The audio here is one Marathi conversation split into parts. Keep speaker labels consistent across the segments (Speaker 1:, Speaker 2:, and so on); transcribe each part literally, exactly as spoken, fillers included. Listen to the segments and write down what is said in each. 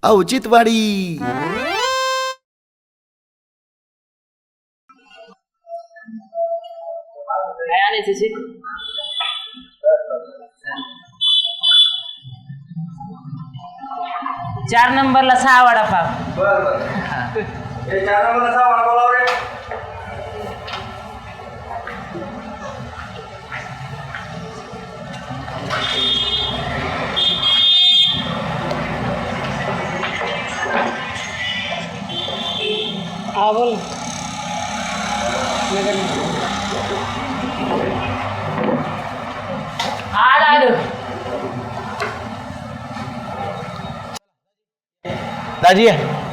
Speaker 1: औचित्यवाडी.
Speaker 2: चार नंबरला सहा वडापाव.
Speaker 3: बर बर हे चार नंबरला सहा वडापाव रे.
Speaker 2: हा बोल. आलो
Speaker 4: दाजी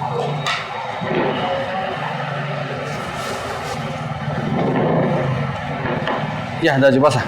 Speaker 4: या दाजी बसा.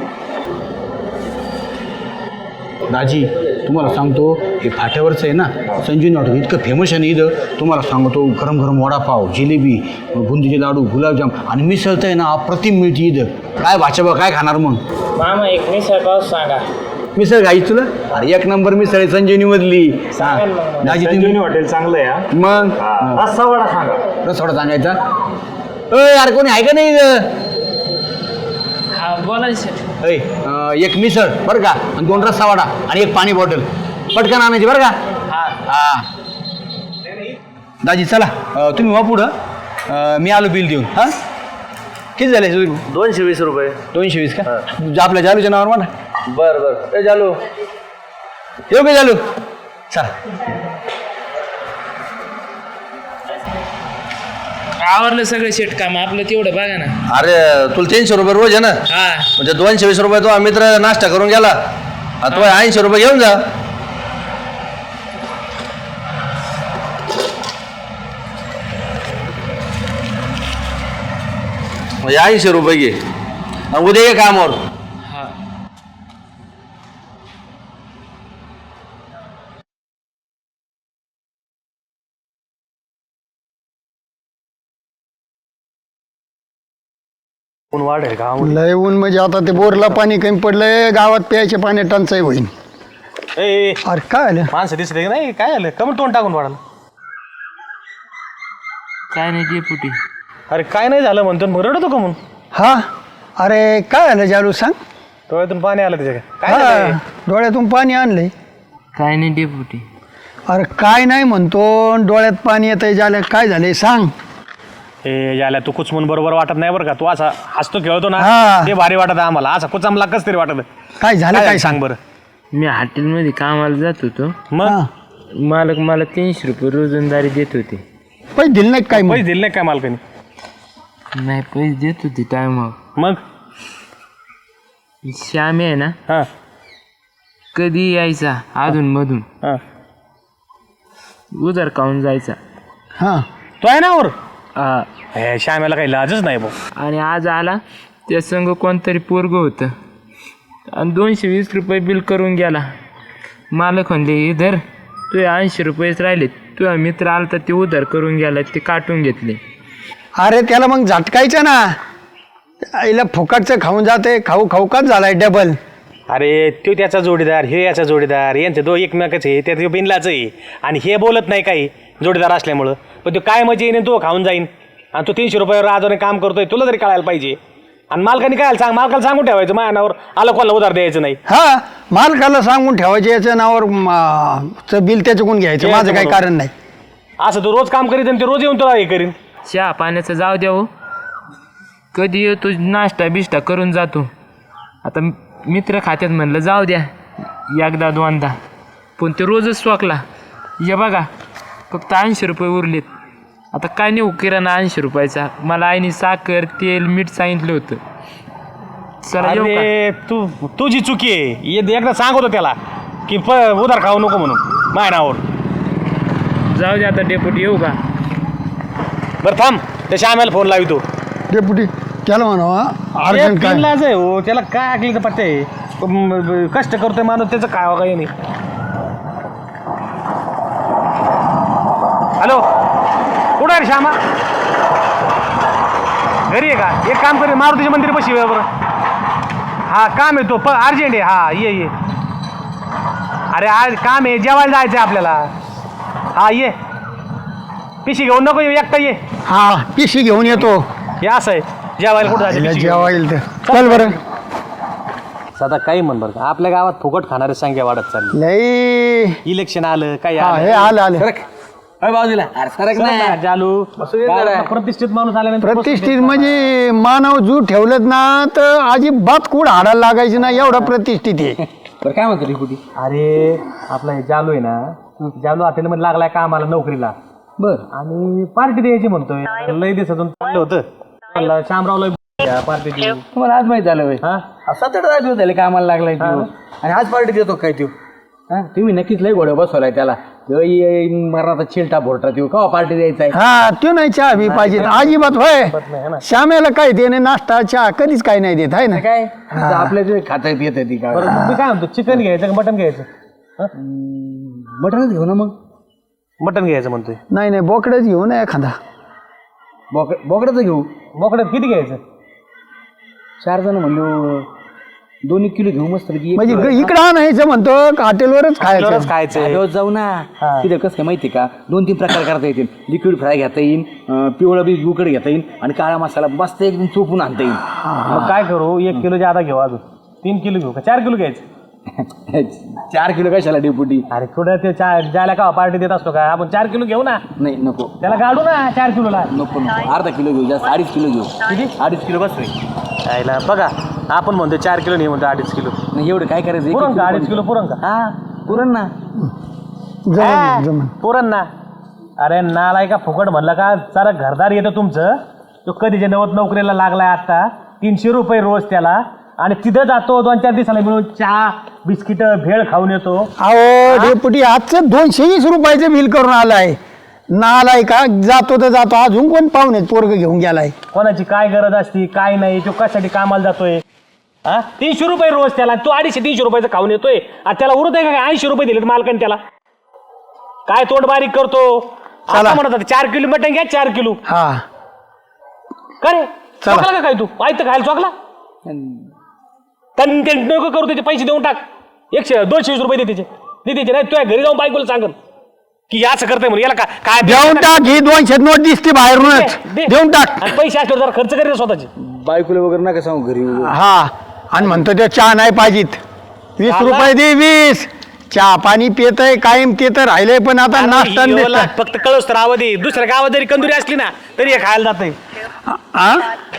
Speaker 4: दाजी तुम्हाला सांगतो हे फाट्यावरचं आहे ना संजीवनी हॉटेल इतकं फेमस आहे ना इथं. तुम्हाला सांगतो गरम गरम वडापाव, जिलेबी, बुंदीचे लाडू, गुलाबजाम आणि मिसळतं आहे ना अप्रतिम मिळते इथं. काय भाषा बा काय खाणार मग
Speaker 2: मामा एक मिसळ पाव सांगा.
Speaker 4: मिसळ खायची तुला? अरे एक नंबर मिसळ आहे संजीवनी मधली. दाजी
Speaker 3: संजीवनी हॉटेल चांगलं आहे हा.
Speaker 4: मग
Speaker 3: रस्सा वडा सांगा.
Speaker 4: रसवडा सांगायचा. अय यार कोणी आहे का नाही इथं?
Speaker 2: हा बोला सर.
Speaker 4: ऐ अं, एक मिसळ बरं का आणि दोन रस्सा वडा आणि एक पाणी बॉटल पटकन आणायची बरं का.
Speaker 2: हा
Speaker 4: हा दाजी चला अं, तुम्ही वा पुढं अं, मी आलो बिल देऊन. हां किती झाले
Speaker 3: दोनशे वीस रुपये.
Speaker 4: दोनशे वीस का आपल्या जालूच्या नावावर म्हणा.
Speaker 3: बर बर ए चालू
Speaker 4: येऊ का जालू चला.
Speaker 2: आवरलं सगळं शेट काम आपलं तेवढं बघा ना.
Speaker 3: अरे तुला तीनशे रुपये रोज आहे ना
Speaker 2: हा
Speaker 3: म्हणजे दोनशे वीस रुपये तो मित्र नाश्ता करून गेला तो ऐंशी रुपये घेऊन जा. म्हणजे ऐंशी रुपये घे आणि उद्या ये कामावर.
Speaker 2: हा
Speaker 3: ऊन वाढेल का
Speaker 5: लय ऊन म्हणजे आता ते बोरला पाणी कमी पडलंय गावात प्यायचे पाणी टंचाई होईल.
Speaker 3: ए
Speaker 5: अरे काय आलं
Speaker 3: माणसं दिसले नाही काय आलं कमी तोंड टाकून वाढाल.
Speaker 2: काय नाही डेपुटी.
Speaker 3: अरे काय नाही झालं म्हणतो मग रडतो का म्हणून.
Speaker 5: हा अरे काय आलं जालू सांग.
Speaker 3: डोळ्यातून पाणी आलं त्याच्या काय
Speaker 5: हा,
Speaker 3: झालंय?
Speaker 5: डोळ्यातून पाणी आणलंय.
Speaker 2: काय नाही डेपुटी.
Speaker 5: अरे काय नाही म्हणतो डोळ्यात पाणी येतंय झालं काय झालंय सांग.
Speaker 3: हे याला तू कुचमून बरोबर वाटत नाही बरं का. तू असा हसतो खेळतो ना
Speaker 5: हा.
Speaker 3: ते भारी वाटत आम्हाला. असा कुचामला कस तरी वाटत.
Speaker 5: काय झालं
Speaker 3: काय
Speaker 5: काय
Speaker 3: सांग
Speaker 5: सांग
Speaker 3: बरं.
Speaker 2: मी हॉटेलमध्ये कामाला जात होतो.
Speaker 3: मग
Speaker 5: हा.
Speaker 2: मालक मला तीनशे रुपये रोजंदारी देत होते.
Speaker 5: पैसे दिले नाही काय मग?
Speaker 3: पैसे दिले नाही काय मालकाने.
Speaker 2: नाही पैसे देत होते टायमावर.
Speaker 3: मग
Speaker 2: श्यामी आहे ना
Speaker 3: हा
Speaker 2: कधी यायचा अधून मधून
Speaker 3: हा
Speaker 2: उधार खाऊन जायचा.
Speaker 5: हा
Speaker 3: तो आहे ना वर.
Speaker 2: हा.
Speaker 3: हे श्यामेला काही लाजच नाही भाऊ.
Speaker 2: आणि आज आला त्या संग कोणतरी पोरगं होतं आणि दोनशे वीस रुपये बिल करून गेला. मालक म्हणले इधर तुझे ऐंशी रुपयेच राहिले. तुझा मित्र आला तर ते उधार करून गेला ते काटून घेतले.
Speaker 5: अरे त्याला मग झटकायचं ना. आईला फुकटचं खाऊन जाते खाऊ खाऊ काच झालाय डबल.
Speaker 3: अरे तो त्याचा जोडीदार हे याचा जोडीदार यांचे दो एकमेकच आहे. त्या बिनलाच आहे आणि हे बोलत नाही काही जोडीदार असल्यामुळं. पण तो काय मजा येईन तो खाऊन जाईन आणि तो तीनशे रुपयावर आजोने काम करतोय तुला तरी कळायला पाहिजे. आणि मालकाने काय सांग मालकाला सांगून ठेवायचं माझ्यावर आलं कोणाला उधार द्यायचं नाही.
Speaker 5: हा मालकाला सांगून ठेवायचे याच्या नावावर म, चं बिल त्याच्याकडून घ्यायचं
Speaker 3: घ्यायचं
Speaker 5: माझं काही
Speaker 3: म्हणून.
Speaker 5: कारण नाही.
Speaker 3: असं तो रोज काम करीत आणि ते रोज येऊन तुला हे करीन.
Speaker 2: चहा पाण्याचं जाऊ द्या हो. कधी येतो नाश्ता बिष्टा करून जातो. आता मित्र खात्यात म्हणलं जाऊ द्या एकदा दोनदा पण ते रोजच स्वाकला. ये बघा फक्त ऐंशी रुपये उरलेत. आता काय नाही किराणा ऐंशी रुपयाचा. मला आईने साखर तेल मीठ सांगितलं होतं. चला येऊ का?
Speaker 3: अरे तू तुझी चुकी आहे. ये एकदा सांगतो त्याला की प उधार खाऊ नको म्हणून माझ्या नावावर.
Speaker 2: जाऊ द्या आता डेपुटी येऊ का?
Speaker 3: बरं थांब त्या श्यामेला फोन लावितो.
Speaker 5: डेपुटी त्याला म्हणावा
Speaker 3: अरे
Speaker 5: अर्जंट काय
Speaker 3: बिनलाज आहे हो. त्याला काय ऐकलं तर पत्ते आहे. म- ब- कष्ट करतोय माणूस त्याचं काय काही नाही. हॅलो कुठं आहे रे श्यामा. घरी आहे का. एक काम कर मारुतीच्या मंदिर बशी बरं. हा काम आहे तो प अर्जंट आहे. हा ये ये. अरे आज काम आहे जेवायला जायचं आहे आपल्याला. हा ये पिशी घेऊन नको येऊ एकटा ये
Speaker 5: हा पिशी घेऊन येतो
Speaker 3: हे असं आहे जेवायला कुठं जायचं पिशी घेऊन.
Speaker 5: जेव्हा येईल तर चल बरं.
Speaker 3: सदा काही म्हण बरं का, आपल्या गावात फुकट खाणारी संख्या वाढत चालली.
Speaker 5: लई
Speaker 3: इलेक्शन आलं काय
Speaker 5: हा हे
Speaker 3: आलं
Speaker 5: आलं आलं
Speaker 4: बाजूला अरे सरक
Speaker 3: सरक
Speaker 4: ना.
Speaker 3: ना, जालू प्रतिष्ठित माणूस आल्यानंतर
Speaker 5: प्रतिष्ठित म्हणजे मानव जू ठेवलं ना तर अजिबात कुड हाडायला लागायची ना एवढा प्रतिष्ठित आहे.
Speaker 4: बरं काय म्हणतो रिपुटी?
Speaker 3: अरे आपला हे जालू आहे ना, जालू हॉटेलमध्ये लागलाय कामाला नोकरीला
Speaker 4: बर
Speaker 3: आणि पार्टी द्यायची म्हणतोय. लय दिवसातून चाललं होतं म्हणलं शामरावला पार्टी देऊ.
Speaker 4: तुम्हाला आज माहित झालं
Speaker 3: हा
Speaker 4: सात आठ दिवस झाले कामाला लागलाय तो आणि आज पार्टी देतो काय तो? हा तुम्ही नक्कीच लय घोड्या बसवलाय त्याला. मरणाचा चिलटा भोरटा देऊ का पार्टी द्यायचा आहे?
Speaker 5: हा तो नाही चहा बी पाहिजे अजिबात होय
Speaker 3: नाही ना.
Speaker 5: श्यामेला काय देणे नाश्ता चहा कधीच काही नाही देत आहे ना
Speaker 4: काय आपल्या जे खाता येत ती का
Speaker 3: बरं मग मी काय म्हणतो चिकन घ्यायचं का मटन घ्यायचं?
Speaker 4: मटणच घेऊ ना मग.
Speaker 3: मटन घ्यायचं म्हणतोय.
Speaker 5: नाही नाही बोकडेच घेऊ ना एखादा.
Speaker 4: बोकड बोकडाचं घेऊ.
Speaker 3: बोकड्यात किती घ्यायचं?
Speaker 4: चार जण म्हणलो दोन एक किलो घेऊ मस्त
Speaker 5: म्हणजे ग- इकडं आणायचं म्हणतो का हॉटेलवरच खायचं.
Speaker 3: आपल्यावरच खायचं
Speaker 4: रोज जाऊ ना. तिथं कसं काय माहिती का, दोन तीन प्रकार करता येतील. लिक्विड फ्राय घेता येईल, अं, पिवळा बी उकड घेता येईल आणि काळा मसाला मस्त एकदम चोपून आणता येईल.
Speaker 3: मग काय करू एक किलो जादा घेऊ अजून तीन किलो घेऊ का चार किलो घ्यायचं?
Speaker 4: चार किलो कशाला डेपुटी?
Speaker 3: अरे कुठं ते चार ज्याला का पार्टी देत असतो का आपण चार किलो घेऊ ना,
Speaker 4: नाही नको
Speaker 3: त्याला गाडू ना चार किलोला.
Speaker 4: नको नको अर्धा किलो घेऊ, जास्त अडीच किलो घेऊ.
Speaker 3: किती?
Speaker 4: अडीच किलो बस रे.
Speaker 3: यायला बघा आपण म्हणतो चार किलो नाही म्हणतो अडीच किलो.
Speaker 4: नाही एवढं काय करायचं? एक-
Speaker 3: पुरण
Speaker 4: एक
Speaker 3: का
Speaker 4: किलो
Speaker 3: अडीच किलो पुरण का?
Speaker 4: हा पुरण ना.
Speaker 5: जमन जमन.
Speaker 3: पुरण ना. अरे नालाय का फुकट म्हणलं का जरा घरदार येतं तुमचं. तो कधीच्या नवत नोकरीला लागलाय आता तीनशे रुपये रोज त्याला आणि तिथं जातो दोन चार दिवसाला मिळून चहा बिस्किट भेळ खाऊन येतो.
Speaker 5: अहो डेपुटी आजचं दोनशे वीस रुपयाचं बिल करून आलाय नालाय का. जातो तर जातो अजून कोण पाहुणे पोरग घेऊन गेलाय.
Speaker 3: कोणाची काय गरज असती काय नाही तो कशासाठी कामाला जातोय. हा तीनशे रुपये रोज त्याला तो अडीचशे तीनशे रुपयाचं खाऊन येतोय आणि त्याला उरत आहे का ऐंशी रुपये दिलेत मालकाने त्याला. काय तोंड बारीक करतो. आता म्हणत होता, चार किलो मटण घ्या चार किलो.
Speaker 5: हा
Speaker 3: का रे चोकला का काय तू आयतं खायला चोकला त्यांनी ते नको करू त्याचे पैसे देऊन टाक. एकशे दोनशे वीस रुपये दे त्याचे दे त्याचे नाही तुझ्या घरी जाऊन बायकोला सांगन की असं करतोय म्हणून याला का काय
Speaker 5: देऊन टाक ही दोनशे नोट दिसते बाहेरूनच
Speaker 3: दे.
Speaker 5: देऊन टाक.
Speaker 3: आणि पैसे असल्यावर जरा खर्च करेल स्वतःचे.
Speaker 4: बायकोला वगैरे नका सांगू घरी.
Speaker 5: हा आणि म्हणतो ते चहा नाही पाहिजेत वीस
Speaker 3: चहाला?
Speaker 5: रुपये दे वीस. चहा पाणी पितय कायम ते तर राहिलंय पण आता नाश्ता
Speaker 3: आणि
Speaker 5: आणि
Speaker 3: हिरोला
Speaker 5: बिस्टा.
Speaker 3: फक्त कळस तर आवाज दे. दुसऱ्या गावात जरी कंदुरी असली ना तरी हे खायला जाते.
Speaker 5: हा?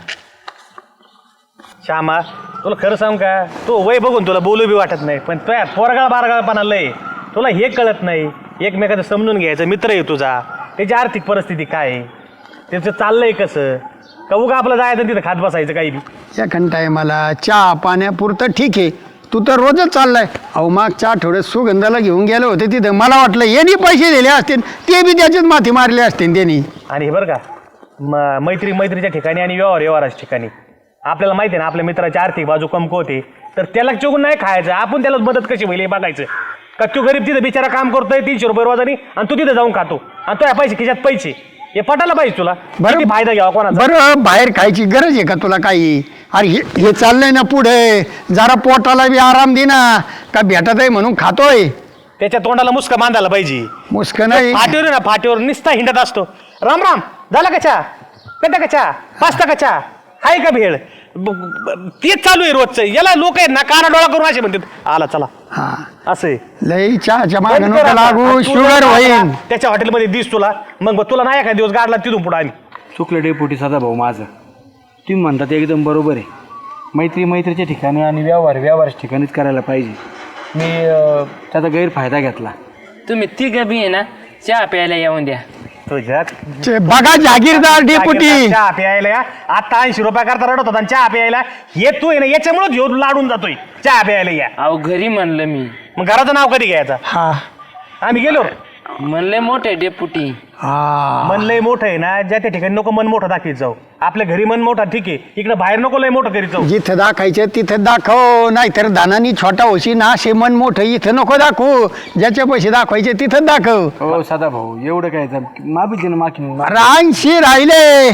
Speaker 3: श्यामा तुला खरं सांग का तू वय बघून तुला बोलू बी वाटत नाही पण तुया पोरगाळ बारगाळपणा लय. तुला हे कळत नाही एकमेकाचं समजून घ्यायचं. मित्र आहे तुझा त्याची आर्थिक परिस्थिती काय आहे त्याचं चाललंय कसं का उगा आपलं जायचं तिथं खात बसायचं काही बी.
Speaker 5: सेकंड टायमाला चहा पाण्यापुरतं ठीक आहे तू तर रोजच चाललाय. अहो मागच्या आठवड्यात सुगंधाला घेऊन गेले होते तिथं मला वाटलं यांनी पैसे दिले असतील ते बी त्याच्याच माथी मारले असतील त्यांनी.
Speaker 3: आणि हे बरं का म- मैत्री मैत्रीच्या ठिकाणी आणि व्यवहार व्यवहाराच्या ठिकाणी आपल्याला माहिती आहे ना आपल्या मित्राची आर्थिक बाजू कमकवते तर त्याला चुकून नाही खायचं. आपण त्याला मदत कशी होईल हे बघायचं का. तू गरीब तिथं बिचारा काम करतोय तीनशे रुपये रोजानी आणि तू तिथं जाऊन खातो आणि तुझ्या पैसे खिशात पैसे हे पटायला पाहिजे तुला. किती फायदा घ्यावा कोणाचा.
Speaker 5: बरं बाहेर खायची गरज आहे का तुला काही. अरे हे हे चाललंय ना पुढे जरा पोटाला बी आराम दे ना का भेटत आहे म्हणून खातोय.
Speaker 3: त्याच्या तोंडाला मुसका बांधायला पाहिजे.
Speaker 5: मुस्क नाही
Speaker 3: फाटीवर आहे ना फाटीवर निस्ता हिंडत असतो. राम राम झाला का चहा पेटा का चहा पाचता का चहा हाय का भेळ ब- ब- तेच चालू आहे रोजचं. याला लोक आहेत ना काना डोळा करून असे म्हणतात आला चला
Speaker 5: हा
Speaker 3: असं आहे.
Speaker 5: लई चहाच्या मागे
Speaker 3: बंद कर
Speaker 5: नको
Speaker 3: आता.
Speaker 5: लागू
Speaker 3: आणि तू
Speaker 5: शुगर
Speaker 3: जर
Speaker 5: होईल.
Speaker 3: त्याच्या हॉटेलमध्ये दिस तुला मग बघ, तुला नाही एखाद दिवस गाडला तिथून पुढे आम्ही.
Speaker 4: चुकलं डेपुटी सदा भाऊ माझं. तुम्ही म्हणता ते एकदम बरोबर आहे. मैत्री मैत्रीच्या ठिकाणी आणि व्यवहार व्यवहाराच्या ठिकाणीच करायला पाहिजे. मी अं, त्याचा गैरफायदा घेतला.
Speaker 2: तुम्ही तिघं बी आहे ना चहा प्यायला येऊन द्या.
Speaker 3: तुझ्या
Speaker 5: चे बघा जागीरदार डेपुटी
Speaker 3: चहा प्यायला या. आता ऐंशी रुपया करता रडत होता आणि चहा प्यायला येतोय ना याच्यामुळे घेऊन लाडून जातोय चहा प्यायला या.
Speaker 2: अहो घरी म्हणलं मी
Speaker 3: मग घराचं नाव कधी घ्यायचं.
Speaker 5: हा
Speaker 3: आम्ही गेलो
Speaker 2: म्हणले मोठे डेपुटी.
Speaker 5: हा
Speaker 3: मन लय मोठं आहे ना ज्या त्या ठिकाणी नको मन मोठं दाखवीत जाऊ. आपल्या घरी मन मोठा ठीक आहे इकडे बाहेर नको लय मोठं करीत जाऊ.
Speaker 5: जिथं दाखायचं तिथं दाखव नाहीतर दानानी छोटा होशी ना असे मन मोठं इथं नको दाखवू. ज्याच्या पैसे दाखवायचे तिथं दाखव.
Speaker 4: हो सदा भाऊ एवढं काय माफी ना माफी.
Speaker 5: रानशी राहिले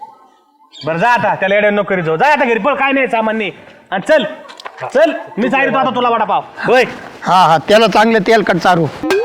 Speaker 3: बरं जा आता त्याला एवढ्या नको करीत जाऊ. जा आता घरी पण काय नाही सामान्य आणि चल चल मी जाईल आता तुला वडापाव होय.
Speaker 5: हा हा त्याला चांगलं तेलकट चारू.